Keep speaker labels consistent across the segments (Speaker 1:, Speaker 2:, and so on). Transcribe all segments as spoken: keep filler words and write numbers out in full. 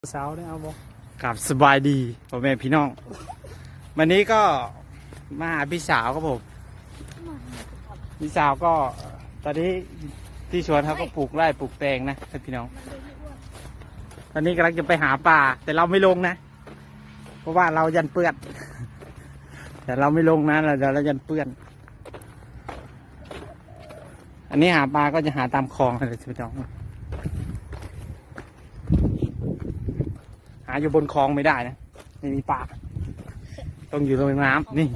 Speaker 1: สาวได้เอาบ่
Speaker 2: กับสบายดีพ่อแม่พี่น้องวันนี้ก็มาหาพี่สาวครับผมพี่สาวก็ตอนนี้ที่สวนเขาก็ปลูกไร่ปลูกแตงนะพี่น้องตอนนี้กำลังจะไปหาปลาแต่เราไม่ลงนะเพราะว่าเรายันเปื้อนแต่เราไม่ลงนะเราเดี๋ยวเรายันเปื้อนอันนี้หาปลาก็จะหาตามคลองเลยพี่น้องหาอยู่บนคลองไม่ได้นะไม่มีปลาต้องอยู่ตรงน้ำนี่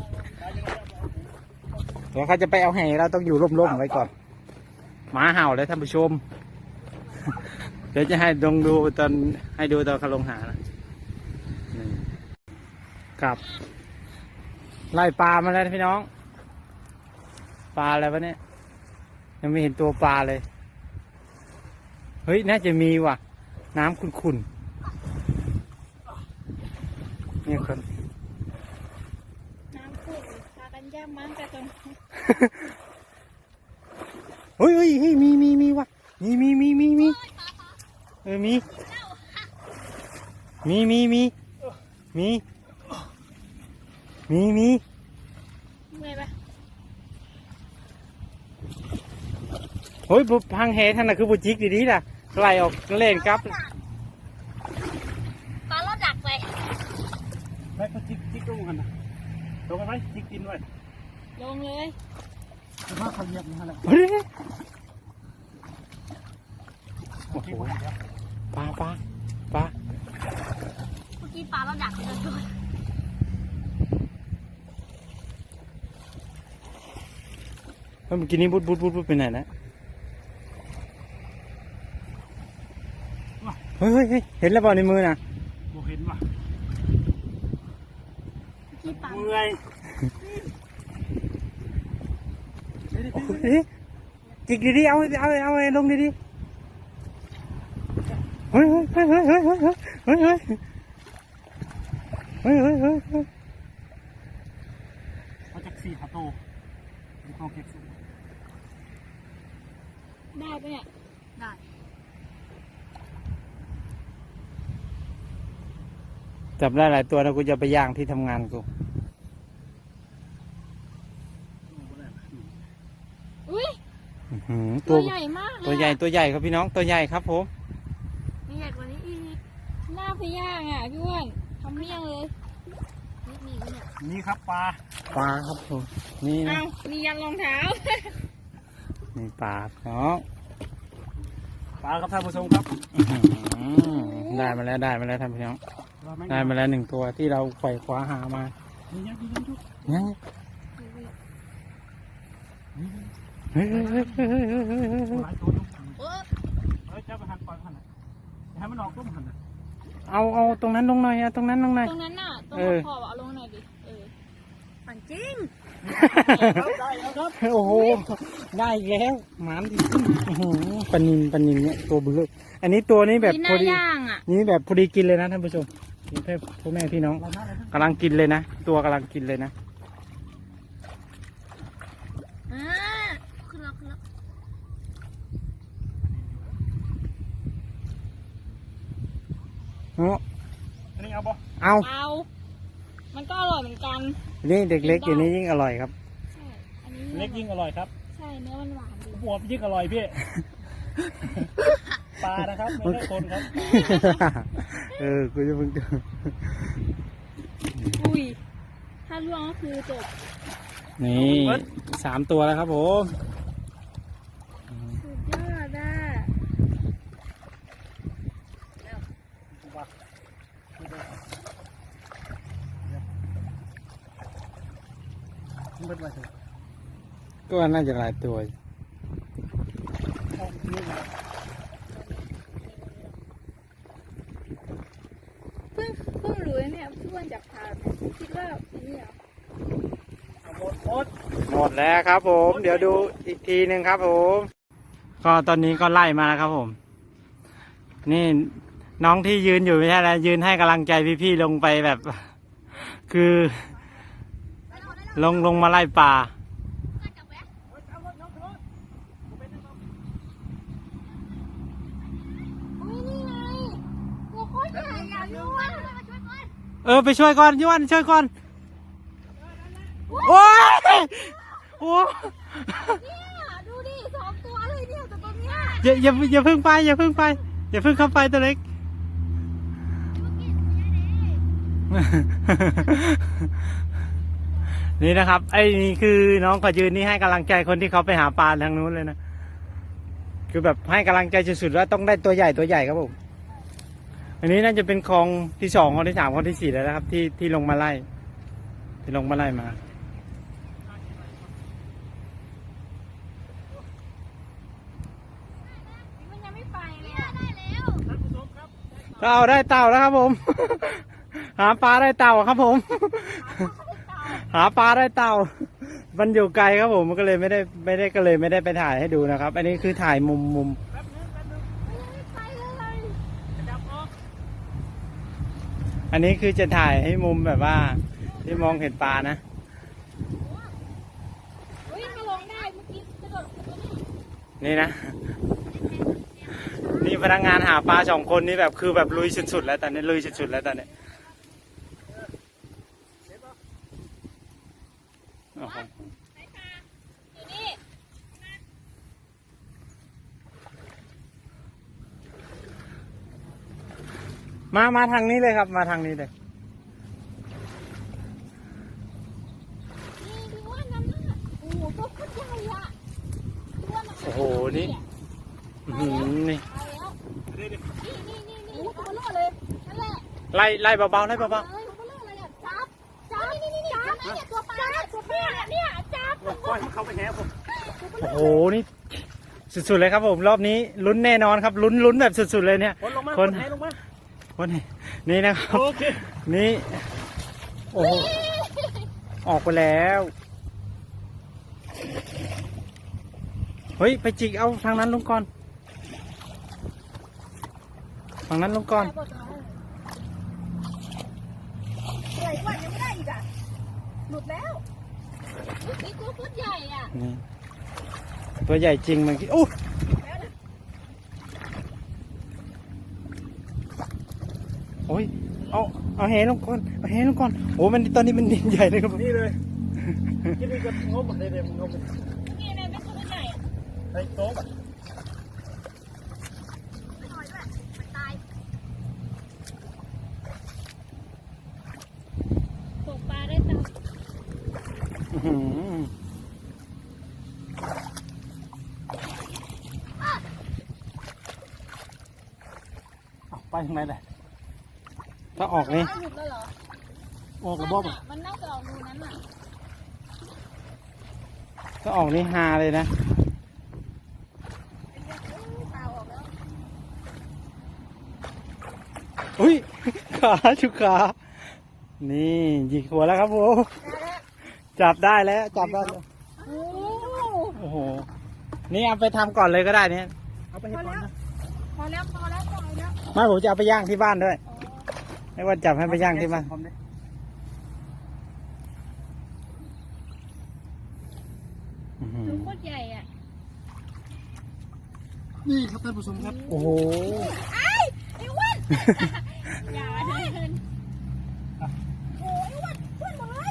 Speaker 2: เดี๋ยวเขาจะไปเอาแห่เราต้องอยู่ร่มๆไว้ก่อนหมาเห่าเลยท่านผู้ชมเดี๋ยวจะให้ดงดูตอนให้ดูตอนเขาลงหานะกับไล่ปลามาแล้วพี่น้องปลาอะไรวะเนี่ยยังไม่เห็นตัวปลาเลยเฮ้ยน่าจะมีว่ะน้ำขุ่นๆนี่คน
Speaker 3: น้ำขุ่นพากันย่ำมั้งแต่ตรง
Speaker 2: เฮ้ยเฮ้ยเฮ้ยมีมีมีว่ะมีมีมีมีมีเออมีมีมีมีมีมีมี
Speaker 3: เมื่อยปะ
Speaker 2: เฮ้ยบุพังแหท่านน่ะคือบุจิกดีๆล่ะไล่ออกเล่นครับ
Speaker 3: ปลาลอดดักไป
Speaker 1: แม่ก็จิกจิกลงกันนะลงกันไหมจิกกินไว้
Speaker 3: ลงเลย
Speaker 1: จะมาเขาเหยียบนี่ฮะแหละ
Speaker 2: เฮ้ยโอ้โหปลาปลาปลา
Speaker 3: เมื่อกี้ปลาลอดดักเลยด้วย
Speaker 2: เมื่อกี้นี้บุดบุดบุดบุดไปไหนนะเฮ้ยเฮ้ยเห็นแล้วเปล่าในมือนะ
Speaker 1: บ่เห็นว่ะ
Speaker 3: เมื่อกี้ปลา
Speaker 1: เมื่อย
Speaker 2: จิกดีๆเอาเอาเอาเอาลงดีๆเฮ้ยเฮ้ยเฮ้ยเฮ้ยเฮ้ยเฮ้ยเฮ้ยเฮ้ยเฮ้ยเฮ้ยเฮ้ย
Speaker 1: เขาจะสี่ขาโตดูเขาเก็บสุด
Speaker 3: ได้ปะเนี่ยได้
Speaker 2: จับได้หลายตัวนะกูจะไปย่างที่ทำงานกู
Speaker 3: อุ้ย
Speaker 2: ตั
Speaker 3: ตัวใหญ่มาก
Speaker 2: ตัวใหญ่ตัวใหญ่ครับพี่น้องตัวใหญ่ครับผม
Speaker 3: มีใหญ่กว่านี้อีกหน้าไปย่างอ่ะพี่อ้วนทำเมี่ยงเลยนี่มีปะเนี่ย
Speaker 1: นี่ครับปลา
Speaker 2: ปลาครับผมนี่นะ
Speaker 3: อ้าวมียันรองเท้า
Speaker 2: นี่ปลาเนาะ
Speaker 1: ปลาครับท่านผู้ชมครับ
Speaker 2: ได้มาแล้วได้มาแล้วท่านพี่น้องได้มาแล้วหนึ่งตัวที่เราไขว่คว้าหามา
Speaker 1: นี่
Speaker 2: ยังเฮ้ยเฮ้ยเฮ้ยเฮ้ยเฮ้ยเฮ้ยเฮ้ย
Speaker 1: หลายตัวอยู่เฮ้ยจะไปหันปล่อยหันให้มันออกต้มหัน
Speaker 2: เอาเอาตรงนั้นลงหน่อยอะตรงนั้นลงหน่อย
Speaker 3: ตรงนั้นน่ะตรงขอบเอาลงหน่อยดิเออปั่นจริง
Speaker 1: ได้แล้วครับ
Speaker 2: โอ้โหได้แล้วหมานดีปนินปนินเนี่ยตัวเบื้ออันนี้ตัวนี้แบบพอดีนี่แบบพอดีกินเลยนะท่านผู้ชมนี่เพื่อนพ่อแม่พี่น้องกำลังกินเลยนะตัวกำลังกินเลยนะ
Speaker 3: อ่าขึ้นแล้วขึ้นแล้ว
Speaker 2: เนาะ
Speaker 1: อันนี้เอาบ่
Speaker 2: เอา
Speaker 3: เอามันก็อร่อยเหมือนกัน
Speaker 2: นี่เด็กเล็กอย่างนี้ยิ่งอร่อยครับ
Speaker 3: ใช่อันนี้
Speaker 1: เล็กยิ่งอร่อยครับ
Speaker 3: ใช่เนื้อมันหวานดี
Speaker 1: หัวยิ่งอร่อยพี่ปลานะครับไม่ใช่คนครับ
Speaker 2: เออกูจะมึง
Speaker 3: อุ้ยถ้าล่วงก็คือจบ
Speaker 2: นี่สามตัวแล้วครับผม
Speaker 3: สุดยอดอ่ะ
Speaker 2: ก็น่าจะหลายตัว
Speaker 3: เพิ่งเพิ่งรู้เนี่ยเพื่อนจับพาคิดว่านี่เหรอ
Speaker 1: หมดหมด
Speaker 2: หมดแล้วครับผมเดี๋ยวดูอีกทีหนึ่งครับผมก็ตอนนี้ก็ไล่มาแล้วครับผมนี่น้องที่ยืนอยู่ไม่ใช่อะไรยืนให้กำลังใจพี่ๆลงไปแบบคือลงลงมาไล่ปลา
Speaker 3: อุ้ยนี่ไงตัวโคตรใหญ่พี่อ้วนมาช่วยก่อน
Speaker 2: เออไปช่วยก่อนยวนช่วยก่อนโอ้ยโอ้
Speaker 3: เนี่ยดูดิสองตัวเลยเนี่ยแต่ตัวเนี้ย
Speaker 2: อย่าอย่าอย่าเพิ่งไปอย่าเพิ่งไปอย่าเพิ่งเข้าไปตัวเล็ก นี่นะครับไอ้นี่คือน้องขอยืนนี่ให้กำลังใจคนที่เขาไปหาปลาทางนู้นเลยนะคือแบบให้กำลังใจสุดๆว่าต้องได้ตัวใหญ่ตัวใหญ่ครับผมอันนี้น่าจะเป็นคลองที่สองคลองที่สามคลองที่สี่แล้วนะครับ ที่ที่ลงมาไล่ที่ลงมาไล่มา
Speaker 3: มันยังไม่ไปเลยอะได้แล้ว
Speaker 1: ท่านผู้ชมครับ
Speaker 2: ก็เอาได้เต่าแล้วครับผม หาปลาได้เต่าครับผม หาปลาได้เต่ามันอยู่ไกลครับผมมันก็เลยไม่ได้ไม่ได้ก็เลยไม่ได้ไปถ่ายให้ดูนะครับ อันนี้คือถ่ายมุมมุม
Speaker 1: แป๊บนึงแป๊บนึง
Speaker 3: มันยังไม่ไปเลย
Speaker 1: ขยับออก
Speaker 2: อันนี้คือจะถ่ายให้มุมแบบว่าที่มองเห็นปลานะ
Speaker 3: เฮ้ยถ้าลงได้เมื่อกี้กระโดดกระโดด
Speaker 2: นี่นะ นี่พนักงานหาปลาสองคนนี้แบบคือแบบลุยสุดๆแล้วตอนนี้ลุยสุดๆแล้วตอนนี้โอ้โห
Speaker 3: ไหนคะอยู่นี่
Speaker 2: มามาทางนี้เลยครับ มาทางนี้เลย
Speaker 3: นี่พี่อ้วนนั่นน่ะโอ้โหตัวโคตรใหญ่อะพี่อ้วนมัน
Speaker 2: โอ้โหนี่อื้อหือนี่
Speaker 3: ไปแล้ว
Speaker 1: เดี๋ยวเดี๋ยว
Speaker 3: นี่นี่นี่นี่ตัวโลดเลยนั่นแหละ
Speaker 2: ไล่ไล่เบาๆไล่เบา
Speaker 3: เอ้ยตัวโลดเลยอ่ะจับจับนี่นี่นี่จับเนี่ยตัวปลาเนี่ยตัวปลาเนี่ยจับ
Speaker 1: ปล่อยให้เขาไปแหผม
Speaker 2: ๆโอ้โหนี่สุดๆเลยครับผมรอบนี้ลุ้นแน่นอนครับลุ้นลุ้นแบบสุดๆเลยเนี่ย
Speaker 1: คนลงมา
Speaker 2: คน
Speaker 1: แหลงมา
Speaker 2: คนนี้นี่นะครับ
Speaker 1: โอเค
Speaker 2: นี่โอ้โหออกไปแล้วเฮ้ยไปจิกเอาทางนั้นลงก่อนทางนั้นลงก่อน
Speaker 3: ใหญ่กว่ายังไม่ได้อีกอ่ะหลุดแล้วนี่ตัวโคตรใหญ่อ่ะ
Speaker 2: นี่ตัวใหญ่จริงเมื่อกี้โอ้โอ้ยเอาเอาแหลงก่อนเอาแหลงก่อนโอ้มันตอนนี้มันดินใหญ่เลยครับผม
Speaker 1: นี่เลยที่นี่ก็งบเลยเดี๋ยวงบ
Speaker 3: นี่แม่เป็นตัวใหญ่
Speaker 1: ใส่โต๊ะ
Speaker 3: ไม่น้อยด้วยมันตายตกปลาได้ตัง
Speaker 2: อื้อหือเอาไปทางไหนเลยถ้าออกนี่
Speaker 3: หลุดแล้วเหรอ
Speaker 2: ออกกระบอก
Speaker 3: มันน่าจะออกรูนั้นอ่ะ
Speaker 2: ถ้าออกนี่ฮาเลยนะ
Speaker 3: ปลาออกแล้ว
Speaker 2: อุ้ย ขาชุกขา นี่ยิงหัวแล้วครับผมจับได้แล้วจับได้แล้ว
Speaker 3: โอ้
Speaker 2: โอ้โห นี่เอาไปทำก่อนเลยก็ได้เนี่ย
Speaker 1: เอาไปให้ก่อนนะ
Speaker 3: พอแล้วพอแล้วพอแล้ว
Speaker 2: ไม่ผมจะเอาไปย่างที่บ้านด้วยไม่ว่าจับให้ไปย่างที่บ้านอื้อหือ
Speaker 3: ตัวโคตรใหญ่อ่ะ
Speaker 1: นี่ครับท่านผู้ชมครับ
Speaker 2: โอ้โห
Speaker 3: ไอ้ไอ้อ้วนอย่าเดินโอ้ยอ้วนอ้วนหมดเลย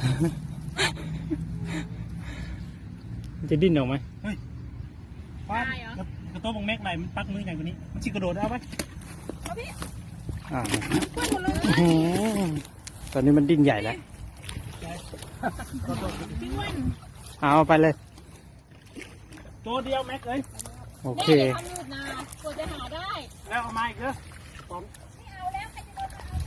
Speaker 2: มันจะดิ้นออกไหม
Speaker 1: ป้ากระโต๊ะบงแม็กไหลมันปักมือใหญ่กว่านี้มันชิกระโดดเอาไป
Speaker 3: เอาพี่
Speaker 2: อ่า
Speaker 3: อ้วนหมดเลย
Speaker 2: อื้อหือตอนนี้มันดิ้นใหญ่แล้ว
Speaker 3: พี่อ้วน
Speaker 2: เอาไปเลย
Speaker 1: ตัวเดียวแม็กเลย
Speaker 2: โอ
Speaker 3: แม่
Speaker 2: เค
Speaker 3: จะทำหยุดนะกว่าจะหาได้
Speaker 1: แล้วเอามาอีกเหรอผม
Speaker 3: ไม่เอาแล้วใครจะโดน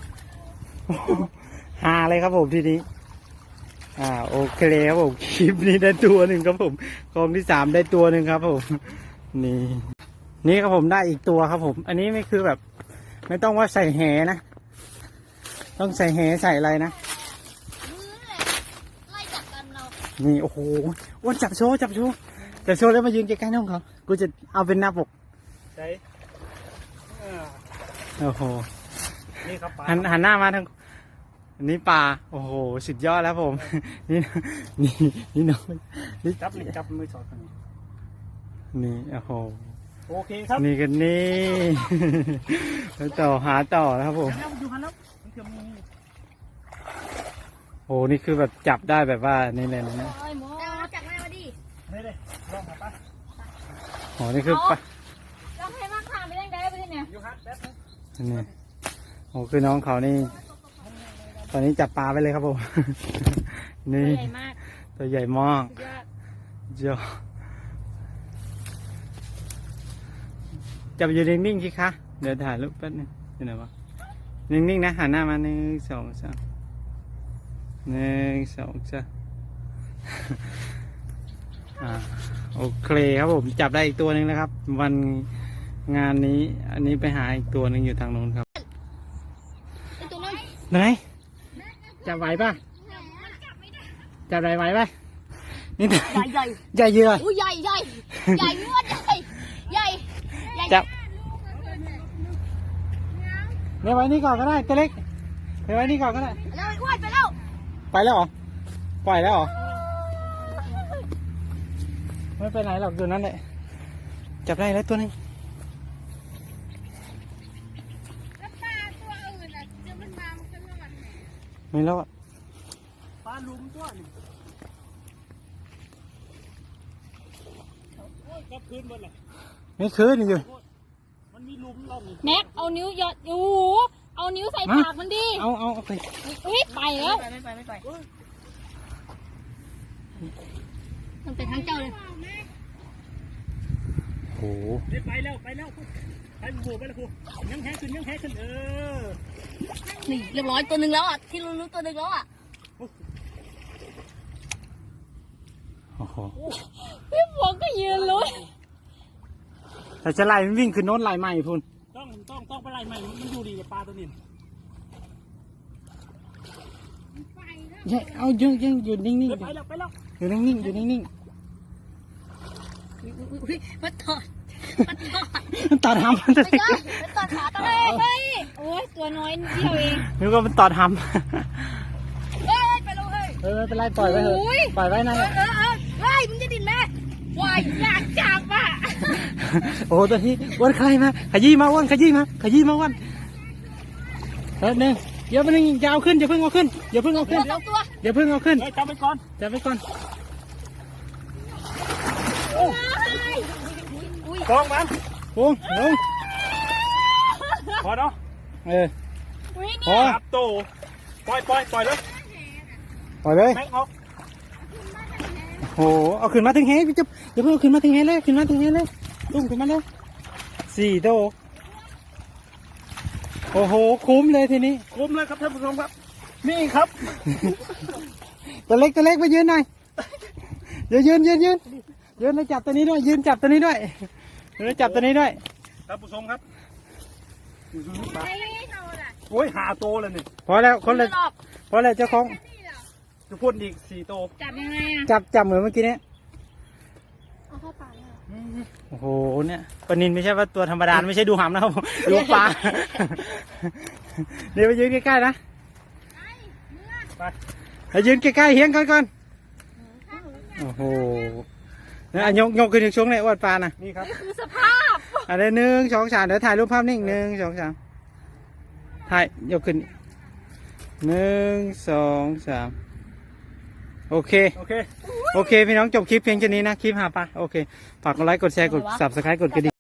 Speaker 3: เอา
Speaker 2: ฮาเลยครับผมทีนี้ อ่าโอเคครับผมคลิปนี้ได้ตัวหนึ่งครับผมกองที่สามได้ตัวหนึ่งครับผม นี่ นี่ครับผมได้อีกตัวครับผม อันนี้ไม่คือแบบ ไม่ต้องว่าใส่แหนะ ต้องใส่แหใส่อะไรนะ
Speaker 3: มือเลยไล่จับกันเรา
Speaker 2: นี่โอ้โหอ้วนจับโชว์จับโชว์จับโชว์แล้วมายืนใกล้ๆน้องเขากูจะเอาเป็นหน้าปก
Speaker 1: ใช่อ่า
Speaker 2: โอ้โห
Speaker 1: นี่ครับปลา
Speaker 2: หันหันหน้ามาทางอันนี้ปลา โอ้โห สุดยอดแล้วผม นี่นี่นี่น้องนี่
Speaker 1: จับนี่จับมือสอดกัน
Speaker 2: นี่โอ้โห
Speaker 1: โอเคครับ
Speaker 2: นี่กันนี่ ไปต่อหาต่อนะครับผม
Speaker 1: แล้วดูคันแล้วมันเกือบมี
Speaker 2: โอ้นี่คือแบบจับได้แบบว่านี่เลยนะเนี่ย
Speaker 3: โอ้ยหมอ
Speaker 4: เอาจากแม่มาดิ
Speaker 1: นี่เลยลองหาปะ
Speaker 2: โอ้นี่คือปะ
Speaker 3: เราให้มากค่ะไม่ได้ได้ไปเนี่ย
Speaker 1: อยู่ฮัทแป๊บนึง
Speaker 2: นี่โอ้คือน้องเขานี่ ตอนนี้จับปลาไปเลยครับผม นี่
Speaker 3: ใหญ่มาก
Speaker 2: ตัวใหญ่มาก
Speaker 3: สุดยอด
Speaker 2: เจ้าจับอยู่นิ่งๆสิคะเดี๋ยวถ่ายรูปแป๊บนึงอยู่ไหนวะนิ่งๆนะหันหน้ามาหนึ่งสองสามหนึ่งสองสาม อ่าโอเคครับผมจับได้อีกตัวหนึ่งแล้วครับ วันงานนี้อันนี้ไปหาอีกตัวหนึ่งอยู่ทางโน้นครับ
Speaker 4: ไอตัวนั้น
Speaker 2: ไหนจับไหวป่ะจับไหวไหวป่ะนี่
Speaker 4: ใหญ่ใหญ่
Speaker 2: ใหญ่เยอะ
Speaker 4: อุ้ยใหญ่ใหญ่ใหญ่ยอดใหญ่ใหญ่ใหญ่
Speaker 2: จับเนี่ยไว้นี่ก่อนก็ได้ตัวเล็กเนี่ยไว้นี่ก่อนก็ได้
Speaker 4: แล้วไอ้อ้วนไปแล้ว
Speaker 2: ไปแล้วเหรอปล่อยแล้วเหรอไม่ไปไหนหรอกอยู่นั่นแหละจับได้แล้วตัวหนึง
Speaker 4: แล้วปลาตัวอื่นอ่ะเดี๋ยวมันมามันก็รอด
Speaker 2: ไม่แล้วอะ
Speaker 1: ปลาลุมตัวนี่โอ้ยกลับคืนหมดเลย
Speaker 2: ไม่คืนอยู่
Speaker 1: มันมีลุมเรานี่
Speaker 3: แม็กเอานิ้วหยอดโอ้โหเอานิ้วใส่ปากมันดิ
Speaker 2: เอาเอาเอาไป
Speaker 3: อุ้ยไปแล้ว
Speaker 4: ไม่ไปไม่ไปมันเป็นทั้งเจ้าเลย
Speaker 2: โอ้โห
Speaker 1: เดี๋ยวไปแล้วไปแล้วไปหัวไปแล้วครูยังแห้ขึ้นยังแห้ขึ้นเออ
Speaker 4: นี่เรียบร้อยตัวหนึ่งแล้วอ่ะที่รู้รู้ตัวหนึ่งแล้วอ่ะ
Speaker 2: โอ้โห
Speaker 3: พี่ฝนก็ยืนลุ้น
Speaker 2: แต่จะไล่มันวิ่งขึ้นโน้นไล่ใหม่พุ่น
Speaker 1: ต้องต้องต้องไปไล่ใหม่มันอยู่ดีกับปลาตัวนี้
Speaker 2: เย้เอายืนยืนอยู่นิ่งๆอ
Speaker 1: เดี๋
Speaker 2: ยู่
Speaker 1: ยวไปแล้วไปแล้ว
Speaker 2: อยู่นิ่งๆอยู่นิ่ง
Speaker 4: อุ้ยมันถอดมันถอด
Speaker 2: ๆมันตอดหำมันจะ
Speaker 4: ไม่ได้มันถอดขาตัว
Speaker 3: เฮ้
Speaker 4: เอย ง
Speaker 3: เฮ้ยโอ้ยตัวน้อยนิดเดียวเอง
Speaker 2: นึกว่ามันตอดห
Speaker 4: เฮ้ยไปเลยเฮ้ย
Speaker 2: ำเออไม่เป็นไรปล่อยไว้เถอะปล่อยไว้นะ
Speaker 4: เออเออเออเฮ้ยมึงจะดินไหมวายอยากจับอ่ะ
Speaker 2: โอ้ตัวนี้อ้วนใครมาขยี้มาอ้วนขยี้มาขยี้มาอ้วนเออหนึ่งเดี๋ยวไปหนึ่งอย่าเอาขึ้นอย่าเพิ่งเอาขึ้นอย่าเพิ่งเอา
Speaker 4: ตั
Speaker 2: ขึ้
Speaker 4: วน สองตัว
Speaker 2: อย่าเพิ่งเอาขึ้น
Speaker 1: เฮ้ยจับไปก่อน
Speaker 2: จับไปก่อน
Speaker 1: กองมัน
Speaker 2: โอ้ลง
Speaker 1: พอเนาะ
Speaker 2: เออ
Speaker 3: อุ้ย
Speaker 2: พอ
Speaker 1: จับโตปล่อยปล่อยปล่อยเลย
Speaker 2: ปล่อยเลย
Speaker 1: แม็กออก
Speaker 2: โอ้โหเอาขึ้นมาถึงเฮพี่จุ๊บอย่าเพิ่งเอาขึ้นมาถึงเฮเลยขึ้นมาถึงเฮเลยตุ้มขึ้นมาเลยสี่โตโอ้โหคุ้มเลยทีนี้
Speaker 1: คุ้มเลยครับท่านผู้ชมครับ นี่ครับ
Speaker 2: ตัวเล็กตัวเล็กมายืนหน่อยเดี๋ยวยืนยืนยืนยืนแล้วจับตัวนี้ด้วยยืนจับตัวนี้ด้วยยืนแล้วจับตัวนี้ด้วย
Speaker 1: ท่านผู้ชมครับโอ้ยหาโตเลยนี่
Speaker 2: พอแล้วคนละพอแล้วเจ้าของ
Speaker 1: จะพูดอีกสี่โต
Speaker 3: จับยังไงอ่ะ
Speaker 2: จับจับเหมือนเมื่อกี้เนี้ย
Speaker 4: เอาเข้าปากเลย
Speaker 2: โอ้โหเนี่ยปลานินไม่ใช่ว่าตัวธรรมดาไม่ใช่ดูหำนะครับผมดูปลาเดี๋ยวไปยืนใกล้ๆนะ
Speaker 1: ไป
Speaker 2: ไปยืนใกล้ๆเฮียงก่อนก่อนโอ้โหเนี่ยอ่ะยกยกขึ้นถึงช่วงไหนอวดปลานะ
Speaker 1: นี่ครับ
Speaker 3: คือสภาพ
Speaker 2: อันนี้หนึ่งสองสามเดี๋ยวถ่ายรูปภาพนิ่งหนึ่งสองสามถ่ายยกขึ้นหนึ่งสองสามโอเค
Speaker 1: โอเค
Speaker 2: โอเค พี่น้องจบคลิปเพียงแค่นี้นะ คลิปหาปลาโอเค ฝากกดไลค์ กดแชร์ กด subscribe กดกระดิ่ง